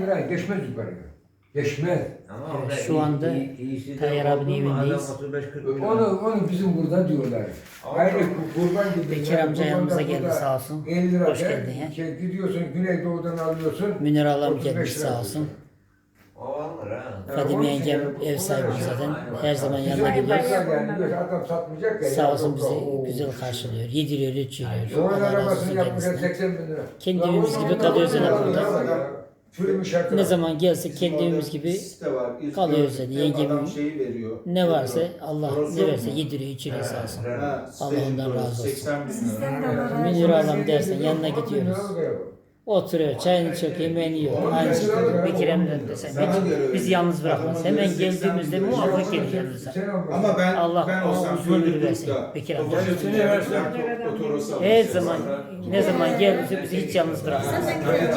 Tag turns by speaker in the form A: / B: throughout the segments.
A: lira geçmez yukarıya. Geçmez.
B: Ama orada
C: Şu anda Tayyar abinin evindeyiz.
A: Onu bizim burada diyorlar. Aynı kurban gibi.
C: Bekir amca yanımıza geldi sağ olsun.
A: 50 lira
C: Hoş geldin ya.
A: Gidiyorsun Güneydoğu'dan alıyorsun.
C: Münir ablam
A: 35
C: gelmiş
A: lira
C: sağ olsun.
B: O alır ha.
C: Fadime yengem ev sahibi zaten. Her zaman yanına gidiyoruz.
A: Adam satmayacak ya.
C: Sağ olsun bizi güzel karşılıyor. Yediriyor, içiriyor.
A: Doğru
C: Allah razı
A: arabasını
C: olsun
A: yapmışlar
C: kendisine.
A: 80 bin lira.
C: Kendi evimiz gibi kalıyoruz yani burada.
A: Çürümüş her
C: Ne
A: taraf.
C: zaman gelsek kendi evimiz gibi kalıyoruz yani. Yengem ne varsa Allah ne verse yediriyor, içiriyor sağ olsun. Allah ondan razı olsun.
D: 80 bin lira.
C: Münir ablam dersen yanına gidiyoruz. Oturuyor, çayını içiyor, yemeğini yiyor. Aynı şekilde Bekir emrinde desen. Bizi yalnız bırakmaz. Hemen geldiğimizde muhakkak gelir yanımıza.
D: Ama ben
C: Allah
D: ben
C: ona
D: olsam
C: uzun ömür
D: böyle
C: versin.
D: YouTube'da
C: Bekir amca.
D: fotoğrafını versem oturursa
C: Her zaman, ne zaman gelirse bizi hiç yalnız bırakmaz.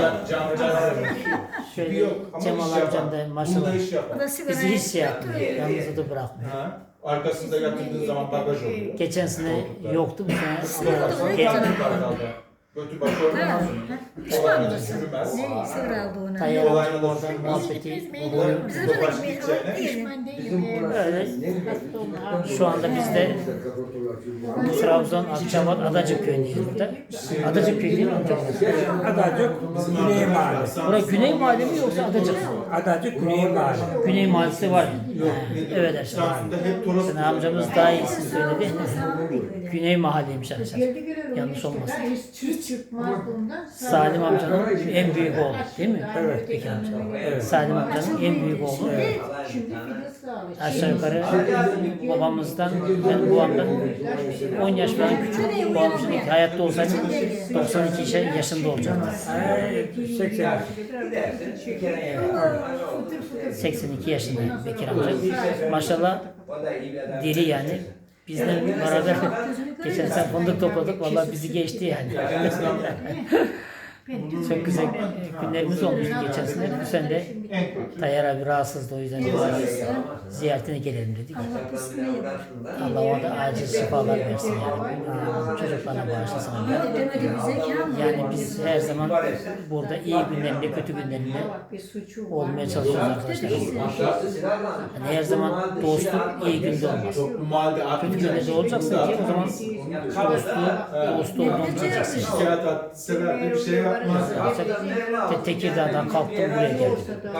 C: Şöyle Cemal amcam da maşallah bizi hiç şey yapmıyor, yalnız da bırakmıyor.
D: Arkasında yatırdığın zaman bagaj oluyor.
C: Geçen sene yoktu bu sene.
D: Geldi götü başı olmaz. Kolay sürmez.
E: Sığır aldı onu.
C: Tayyar amcam oradan muhabbeti buluyor.
D: Topaç gideceğine.
C: Öyle. Şu anda biz de Trabzon, Akçabat, Adacık köyündeyiz burada. Adacık köyü değil mi amca?
F: Adacık Güney Mahalle.
C: Burası Güney Mahalle mi yoksa Adacık mı?
F: Adacık Güney Mahalle.
C: Güney Mahallesi var. Evet arkadaşlar.
D: Samsun'da hep Toros.
C: Sen amcamız daha iyisini söyledi. Güney Mahalleymiş arkadaşlar. Yanlış olmasın.
E: Hiç çıkmaz bundan.
C: Salim amcanın en büyük oğlu değil mi? Evet. Bekir amca. Evet. Salim amcanın en büyük oğlu.
E: Şimdi Filiz sağlık.
C: Aşağı yukarı babamızdan, ben babamdan 10 yaş falan küçük. Babam şimdi hayatta olsaydı 92 yaşında olacaktı.
F: 80.
C: 82 yaşında Bekir amca. Maşallah diri yani. Bizle beraber geçen sene fındık topladık. Vallahi bizi geçti yani. Çok güzel günlerimiz olmuştu geçen sene. Bu sene de Tayyar abi rahatsızdı, o yüzden ziyaretine gelelim dedik. Allah ona da acil şifalar versin yani. Çocuklarına bağışlasın. Yani biz her zaman burada iyi günlerinde, kötü günlerinde olmaya çalışıyoruz arkadaşlar. Yani her zaman dostluk iyi günde olmaz.
D: Toplum halde
C: Kötü günde de olacaksın ki o zaman dostu olduğunu bileceksin.
D: şikayet at, sebepli bir şey yapmaz.
C: Tekirdağ'dan kalktım buraya geldim.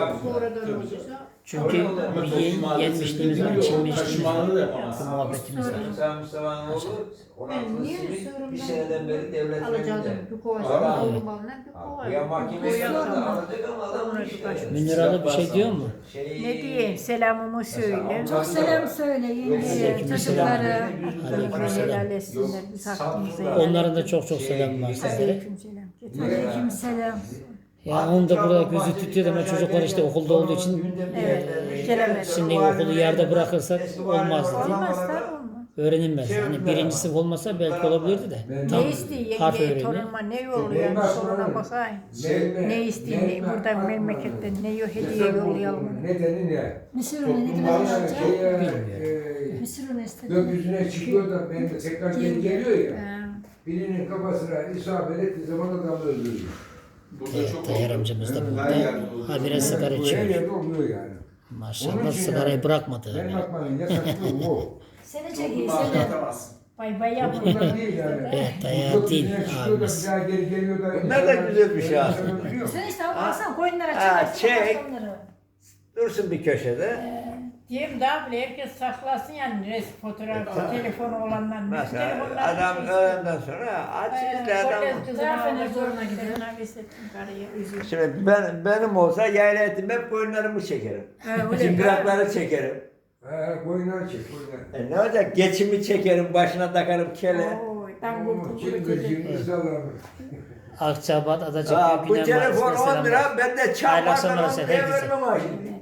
C: Çünkü bir yenmişliğimiz var, içilmişliğimiz var. Bu muhabbetimiz var.
B: Mustafa'nın oğlu 16 bir seneden beri devlet
E: Alacaktım. Bir kovası aldım bana. Bir kova.
B: Ya mahkemesi vardı alacak ama adam işte.
C: Münir Ali bir şey diyor mu?
E: Ne diyeyim? Selamımı söyle.
G: Çok selam söyle yenge, çocuklara.
E: Helal etsinler. Biz hakkımızı helal
C: Onların da çok çok selam var sizlere.
E: Aleykümselam.
G: Aleyküm selam.
C: Ya onun da burada gözü tutuyor ama çocuklar işte okulda olduğu için
E: Gelemez.
C: şimdi okulu yerde bırakırsak olmazdı değil mi?
E: Olmaz da olmaz.
C: Öğrenilmez. Hani birinci sınıf olmasa belki olabilirdi de. Tam
E: Ne istiyor
C: harf
E: yenge?
C: öğreni.
E: Torunuma ne yolluyor? Soruna bakayım. Ne istiyor? Buradan memleketten ne hediye yollayalım.
A: Nedeni ne?
G: Mısır unu ne
A: Toplumlar
G: demek hocam?
A: şey,
G: Mısır unu istedim.
A: gökyüzüne çıkıyor da benim de tekrar geri geliyor ya.
E: Ha.
A: Birinin kafasına isabet ettiği zaman adamı öldürüyor.
C: Evet, Tayyar amcamız da burada. Habire sigara
A: Her
C: içiyor.
A: yerde oluyor yani.
C: Maşallah sigarayı bırakmadı.
A: Benim atmanın yasaklığı bu.
G: Seni çekeyim seni.
E: Bay bay yapın.
A: Bunlar değil yani.
C: Evet, Tayyar değil
A: Gökyüzüne çıkıyor da
C: abimiz.
A: bir daha geri geliyor da.
B: Bunlar da güzel bir şey aslında.
G: Sen işte alsan koyunlara
B: Ha,
G: çıkarsın.
B: çek.
G: onları.
B: Dursun bir köşede.
E: Diyeyim daha bile herkes saklasın yani resim fotoğrafı, telefonu olanlar.
B: Mesela adam öğlenden sonra açsın da adam.
E: Zafer'e zoruna gidiyor.
B: Şimdi benim olsa yayla etim hep koyunlarımı çekerim.
E: öyle.
B: Çıngırakları çekerim.
A: Koyunları çek. Koyunları.
B: Ne olacak? Geçimi çekerim, başına takarım kele.
E: Oy, ben kurtuldum.
A: Cingır sallarım.
C: Akçabat, Adacık,
B: Bu
C: Güney
B: telefon
C: Mahallesi'ne
B: 10 lira,
C: selamlar.
B: ben de
C: Hayırlı
B: çarpardan
C: akşamlar
B: 10
C: olsun
B: liraya
C: herkese.
B: vermem ha şimdi.